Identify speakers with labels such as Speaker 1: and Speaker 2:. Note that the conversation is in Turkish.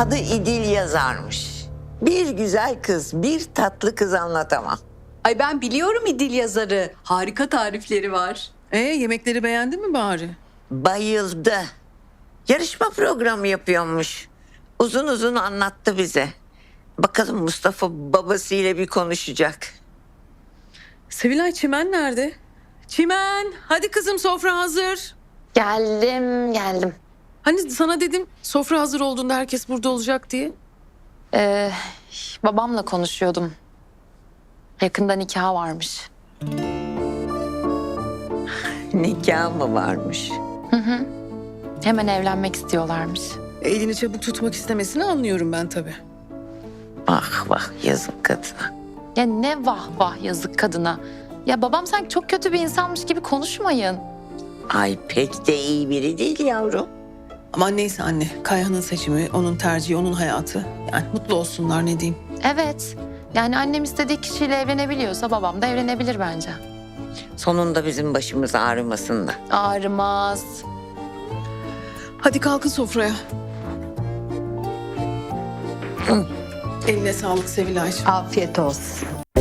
Speaker 1: Adı İdil yazarmış. Bir güzel kız, bir tatlı kız anlatamam.
Speaker 2: Ay ben biliyorum İdil yazarı. Harika tarifleri var.
Speaker 3: Yemekleri beğendin mi bari?
Speaker 1: Bayıldı. Yarışma programı yapıyormuş. Uzun uzun anlattı bize. Bakalım Mustafa babasıyla bir konuşacak.
Speaker 3: Sevilay, Çimen nerede? Çimen, hadi kızım, sofra hazır.
Speaker 4: Geldim.
Speaker 3: Hani sana dedim sofra hazır olduğunda herkes burada olacak diye.
Speaker 4: Babamla konuşuyordum. Yakında nikah varmış.
Speaker 1: Nikah mı varmış?
Speaker 4: Hemen evlenmek istiyorlarmış.
Speaker 3: Elini çabuk tutmak istemesini anlıyorum ben tabii.
Speaker 1: Vah vah yazık kadına.
Speaker 4: Ya ne vah vah yazık kadına. Ya babam sanki çok kötü bir insanmış gibi konuşmayın.
Speaker 1: Ay pek de iyi biri değil yavrum.
Speaker 3: Ama neyse anne, Kayhan'ın seçimi, onun tercihi, onun hayatı. Yani mutlu olsunlar, ne diyeyim.
Speaker 4: Evet. Yani annem istediği kişiyle evlenebiliyorsa babam da evlenebilir bence.
Speaker 1: Sonunda bizim başımız ağrımasın da.
Speaker 4: Ağrımaz.
Speaker 3: Hadi kalkın sofraya. Eline sağlık Sevilay'cığım.
Speaker 2: Afiyet olsun.